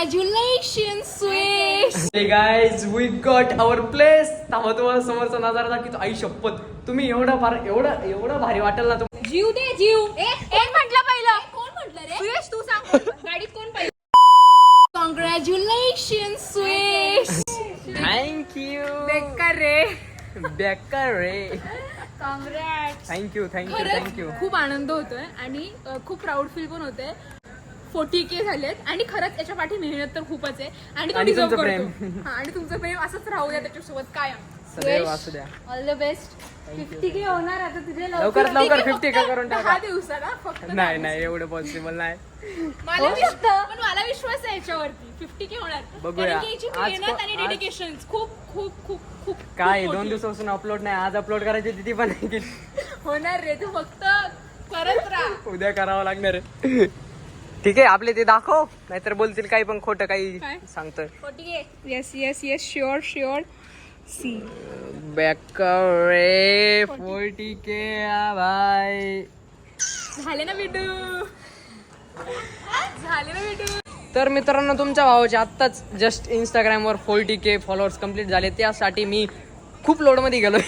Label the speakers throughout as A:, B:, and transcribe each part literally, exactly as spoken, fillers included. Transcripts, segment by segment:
A: Congratulation Swish.
B: Hey guys, we got our place. थांबा तुम्हाला समोरचा नजारा दाखवतो. आई शपथ, तुम्ही एवढं फार एवढं एवढं भारी वाटेल ना तुम्हाला.
A: जीव दे जीव. एक म्हटलं पहिलं. कोण म्हटलं रे? सुयश तू सांग गाडीत कोण पहिलं. Congratulations Swish.
B: Thank you.
A: बेकार रे.
B: बेकार रे.
A: कॉंग्रॅट्स.
B: थँक्यू थँक्यू
A: खरंच
B: थँक्यू.
A: खूप आनंद होतोय आणि अ, खूप प्राऊड फील पण होते. फोर्टी के झालेत आणि खरंच याच्या पाठी मेहनत तर खूपच आहे आणि तो
B: आणि
A: डिझर्व
B: तुमचं
A: करतो.
B: प्रेम.
A: हा, आणि तुमचं प्रेम असंच राहू द्या त्याच्यासोबत कायम.
B: सदैव असू द्या.
A: All the best. Fifty K होणार आता तुझे
B: लवकरात लवकर फिफ्टी का करून
A: दहा
B: टाका.
A: दिवसाला फक्त
B: नाही नाही एवढं पॉसिबल नाही.
A: मला विश्वास पण मला विश्वास आहे याच्यावरती फिफ्टी के होणार.
B: बघूया.
A: कारण की याची
B: आज
A: मेहनत
B: को-
A: आणि
B: आज-
A: डेडिकेशन खूप खूप खूप खूप
B: काय
A: खूप
B: दोन
A: मोठी.
B: दिवसापासून अपलोड नाही. आज अपलोड करायची तिथे पण नाही केली.
A: होणार रे तू फक्त करत राहा.
B: उद्या करावं लागणार आहे. ठीक आहे आपले ते दाखव नाहीतर बोलतील काही पण खोटं काही
A: काय?
B: सांगतोय.
A: Forty K. Yes yes yes sure sure. सी
B: बेकार रे. फोर्टी के बाय.
A: झाले ना बिडू. झाले ना बिडू.
B: तर मित्रांनो तुमच्या भावाचे आत्ताच जस्ट इंस्टाग्रामवर फोर्टी के फॉलोअर्स कम्प्लीट झाले. त्यासाठी मी खूप लोडमध्ये गेलोय.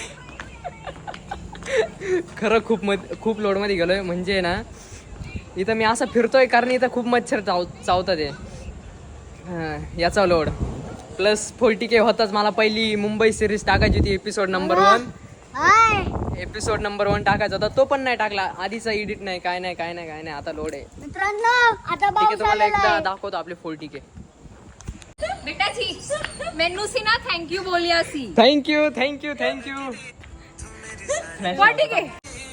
B: खरं खूप मध खूप लोडमध्ये गेलोय. म्हणजे ना इथं मी असं फिरतोय कारण इथं खूप मच्छर चाव चावतात आहे. हां याचा लोड प्लस फोर्टी के होताच. मला पहिली मुंबई सिरीज टाकायची होती episode number one. Episode number one टाकायचा होता तो पण नाही टाकला. आधीचा एडिट नाही काय नाही काय नाही काय नाही. आता लोड आहे
C: मित्रांनो आता
B: ठीक आहे. तुम्हाला एकदा दाखवतो आपले फोर्टी के.
A: बेटा जी मेनू सी ना थँक्यू बोलिया सी.
B: Thank you thank you thank you.
A: Forty K.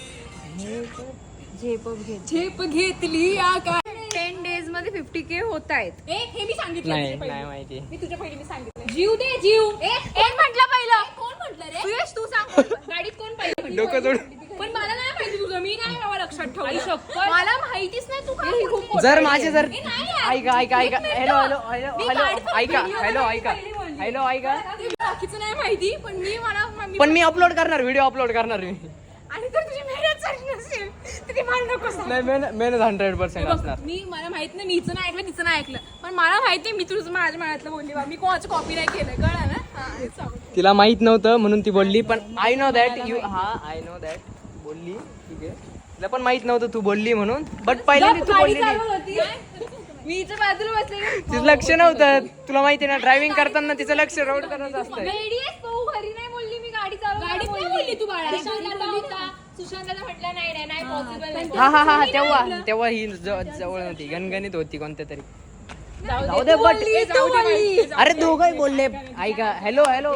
A: झेप घेतली या काय. टेन डेज मध्ये फिफ्टी के होत आहेत. हे मी सांगितलं
B: नाही
A: तुझ्या पहिले.
B: नाही माहिती.
A: मी तुझ्या पहिले मी सांगितलं. जीव दे जीव. एक म्हटलं पहिलं. कोण म्हटलं रे? सुयश तू सांग गाडीत कोण पहिलं.
B: डोकं जोड.
A: पण मला नाही माहिती तुझं. मी नाही बाबा लक्षात ठेवलं. मला माहितीच नाही तू काय खूप
B: जर माझे जर
A: ए, नाही यार.
B: ऐका ऐका ऐका
A: एक
B: हॅलो
A: मिनिट.
B: हॅलो हॅलो
A: मी
B: हॅलो
A: गाडीतून
B: ऐका
A: video
B: हॅलो
A: मध्ये
B: ऐका
A: पहिली बोलली.
B: हॅलो ऐका.
A: ते बाकीचं नाही माहिती पण मी मला मी-
B: पण मी अपलोड करणार व्हिडिओ अपलोड करणार मी.
A: आणि जर तुझी मेहनत चालली नसेल तर ती मला नको सांग.
B: नाही मेहनत मेहनत हंड्रेड पर्सेंट
A: बघ,
B: असणार.
A: मी मला माहित नाही मीच नाही ऐकलं तिचं नाही ऐकलं पण मला माहित नाही मी तुझं माझ्या मनातलं बोलली बा. मी कोणाचं कॉपी नाही केलं कळलं ना. हा, हेच सांगू.
B: तिला माहित नव्हतं म्हणून ती बोलली. पण आय नो दॅट यू हा आय नो दॅट बोलली ठीक आहे. तिला पण माहित नव्हतं तू बोलली म्हणून. बट पहिल्यांदा तू
A: गाडी
B: बोललेली
A: चालवत होती. मी इथं बाजूला बसले.
B: तिचं लक्ष नव्हतं. तुला माहिती आहे ना ड्रायव्हिंग करताना तिचं लक्ष रोड करत असतं.
A: वेडीएस भाऊ घरी नाही बोलली मी गाडी चालवत गाडीत नाही बोलली तू बाळा. सुशांतला म्हटलं नाही नाही नाही पॉसिबल नाही.
B: हा हा हा तेव्हा तेव्हा ही ज- जवळ नव्हती गणगणित होती कोणत्या तरी. जाऊ दे बट
A: जाऊ दे बाई.
B: अरे दोघंही बोलले. ऐका हॅलो हॅलो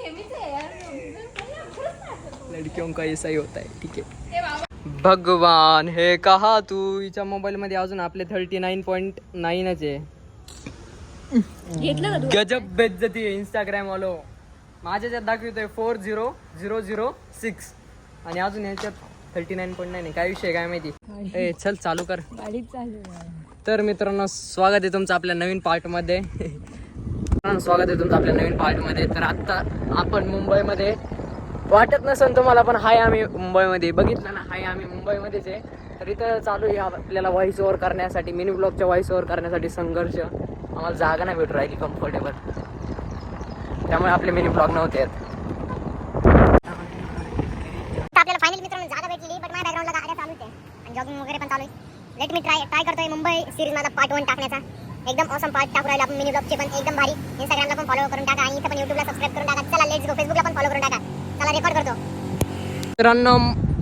B: लडकियों का ऐसा ही होता है ठीक है.
A: ए बाबा.
B: भगवान हे कहा तू हिच्या मोबाईल मध्ये अजून आपले थर्टी नाईन पॉईंट नाईनच आहे.
A: घेतलं का तू?
B: गजब बेज्जती आहे इंस्टाग्राम वालो. माझ्याच्यात दाखवतोय four zero zero zero six आणि अजून याच्यात थर्टी नाईन पॉईंट नाईन. काय विषय काय माहिती. ए चल चालू कर.
A: गाडीत चालू.
B: तर मित्रांनो स्वागत आहे तुमचं आपल्या नवीन पार्टमध्ये. मित्रांनो स्वागत आहे तुमचं आपल्या नवीन पार्टमध्ये. तर आत्ता आपण मुंबईमध्ये वाटत नसेल तुम्हाला पण हाय आम्ही मुंबईमध्ये बघितलं ना. हाय आम्ही मुंबईमध्येच आहे. तर इथं चालू आहे आपल्याला व्हॉइस ओव्हर करण्यासाठी मिनी ब्लॉगच्या व्हॉइस ओव्हर करण्यासाठी संघर्ष. आम्हाला जागा नाही भेटू राहिली कम्फर्टेबल त्यामुळे आपले मिनी ब्लॉग नव्हते आहेत.
C: आपल्याला फायनली मित्रांनो जागा भेटली बट माझ्या बॅकग्राऊंडला गाड्या चालूच आहे आणि जॉगिंग वगैरे पण चालू आहे. लेट मी ट्राय ट्राय करतोय मुंबई सिरीज माझा पार्ट वन टाकण्याचा. एकदम ऑसम पार्ट टाकू राहिलो आपण मिनी ब्लॉगचे पण एकदम भारी. इंस्टाग्रामला पण फॉलो करून टाका आणि इथं पण युट्यूबला सबस्क्राईब करून टाका. चला लेट्स गो. फेसबुकला पण फॉलो करून टाका. चला रेकॉर्ड करतो.
B: मित्रांनो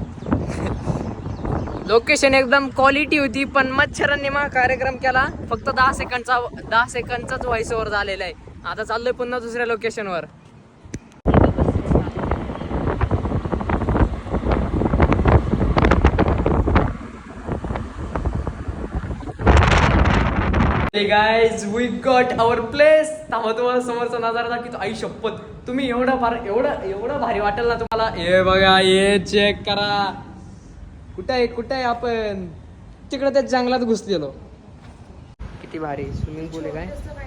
B: लोकेशन एकदम क्वालिटी होती पण मच्छरांनी मग कार्यक्रम केला. फक्त दहा सेकंडचा दहा सेकंडचाच व्हॉइस ओव्हर झालेला आहे. आता चाललोय पुन्हा दुसऱ्या लोकेशनवर. Hey guys, we got our place. थांबा तुम्हाला समोरचा नजारा दाखवतो. आई शपथ, तुम्ही एवढं फार एवढं एवढं भारी वाटेल ना तुम्हाला. हे बघा हे चेक करा. कुठं आहे कुठं आहे आपण तिकडे त्या जंगलात घुसलेलो. किती भारी स्विमिंग पूल आहे काय.